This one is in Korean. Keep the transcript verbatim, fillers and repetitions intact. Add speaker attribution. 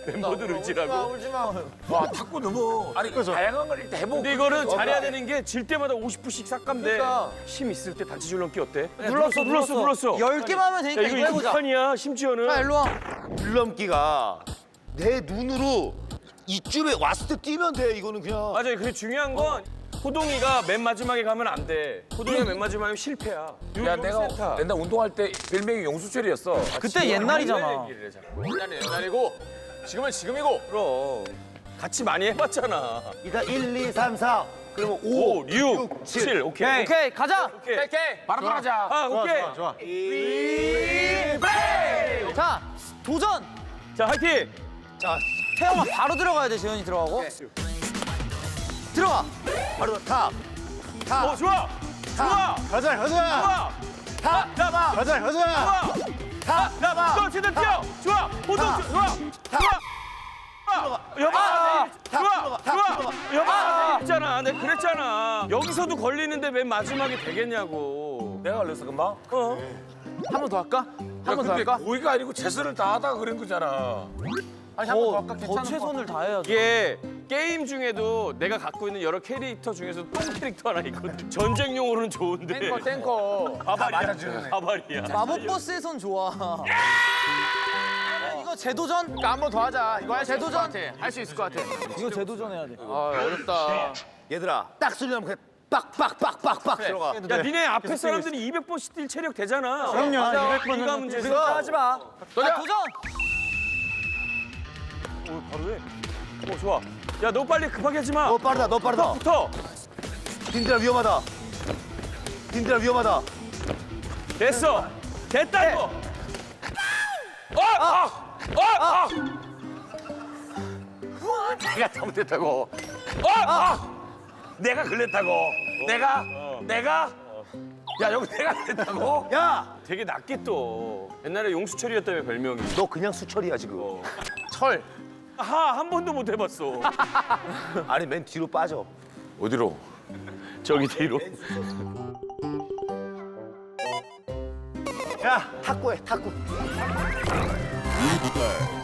Speaker 1: 멤버들 의지라고.
Speaker 2: 울지 마.
Speaker 3: 와 탁구 너무 아니 다양한 걸 일단 해보고.
Speaker 1: 근데 이거는 잘해야 되는 게 질 때마다 오십 푸씩 싹가면 돼.
Speaker 2: 그러니까.
Speaker 1: 힘 있을 때 다치 줄넘기 어때?
Speaker 2: 눌렀어,
Speaker 1: 눌렀어, 눌렀어.
Speaker 2: 열 개만 하면
Speaker 1: 야,
Speaker 2: 되니까
Speaker 1: 이거
Speaker 2: 이거 해보자.
Speaker 1: 이판이야 심지어는.
Speaker 2: 자, 일로 와.
Speaker 4: 줄넘기가 내 눈으로 이쯤에 왔을 때 뛰면 돼. 이거는 그냥.
Speaker 1: 맞아요. 근데 중요한 건 호동이가 맨 마지막에 가면 안 돼. 호동이가 맨 마지막에 실패야.
Speaker 3: 야 내가 옛날 운동할 때 별명이 용수철이었어.
Speaker 2: 그때 옛날이잖아.
Speaker 1: 얘기를 해, 자꾸.
Speaker 5: 옛날은 옛날이고 지금은 지금이고.
Speaker 1: 그럼 같이 많이 해봤잖아.
Speaker 4: 일단 일, 이, 삼, 사. 그러면
Speaker 1: 오,
Speaker 4: 오,
Speaker 1: 육, 칠, 오케이.
Speaker 2: 오케이, 가자.
Speaker 1: 오케이.
Speaker 5: 오케이.
Speaker 3: 바로 들어가자.
Speaker 1: 아, 오케이.
Speaker 4: 좋아.
Speaker 2: 자, 도전.
Speaker 1: 자, 화이팅.
Speaker 4: 자,
Speaker 2: 태영아 바로 들어가야 돼. 재현이 들어가고. 들어가.
Speaker 4: 바로 탑. 탑.
Speaker 1: 어, 좋아. 좋아.
Speaker 4: 가자, 가자.
Speaker 1: 좋아.
Speaker 4: 탑.
Speaker 1: 잡아.
Speaker 4: 가자, 가자.
Speaker 1: 좋아.
Speaker 4: 탑.
Speaker 1: 잡아. 또 최대 뛰어. 좋아. 호동 좋아. 좋아. 여봐. 좋아. 좋아. 여봐. 있잖아. 내가 그랬잖아. 여기서도 걸리는데 맨 마지막에 되겠냐고.
Speaker 3: 내가 걸렸어 금방.
Speaker 1: 어.
Speaker 2: 한 번 더 할까? 한 번 더 할까?
Speaker 3: 고의가 아니고 최선을 다하다가 그런 거잖아.
Speaker 2: 아니, 한 번 더 할까? 더 최선을 다해야 돼.
Speaker 1: 이게 게임 중에도 내가 갖고 있는 여러 캐릭터 중에서 똥 캐릭터 하나 있거든. 전쟁용으로는 좋은데.
Speaker 5: 탱커 탱커.
Speaker 1: 바바리야. 바바리야.
Speaker 2: 마법 버스에선 좋아. 이거 재도전?
Speaker 5: 그러니까 한 번 더 하자. 이거 할 수 있을 것
Speaker 2: 재도전?
Speaker 5: 같아. 할 수 있을 것 같아.
Speaker 2: 이거 재도전 해야 돼.
Speaker 5: 아 어렵다.
Speaker 4: 얘들아, 딱 소리 나면 그냥 빡빡빡빡빡 들어가.
Speaker 1: 야, 니네 앞에 사람들이 이백 번씩 뛸 체력 되잖아.
Speaker 2: 그럼요. 이백 번은
Speaker 1: 네가 문제지.
Speaker 2: 우리가 하지 마. 자, 도전.
Speaker 1: 오, 바로 해. 오, 좋아. 야, 너 빨리 급하게 하지 마.
Speaker 4: 너 빠르다, 너 빠르다.
Speaker 1: 붙어.
Speaker 4: 딘들아 위험하다. 딘들아 위험하다.
Speaker 1: 됐어. 됐다, 이거. 어! 아! 어! 아!
Speaker 3: 내가 잘못했다고.
Speaker 1: 어! 아!
Speaker 3: 내가 걸렸다고. 내가 내가 야 여기 내가 걸렸다고.
Speaker 4: 야,
Speaker 1: 되게 낮게 또. 옛날에 용수철이었다며 별명이.
Speaker 4: 너 그냥 수철이야 지금.
Speaker 5: 철.
Speaker 1: 하, 한 번도 못 해봤어.
Speaker 4: 아니 맨 뒤로 빠져.
Speaker 3: 어디로?
Speaker 1: 저기 뒤로.
Speaker 4: 야, 탁구해, 탁구.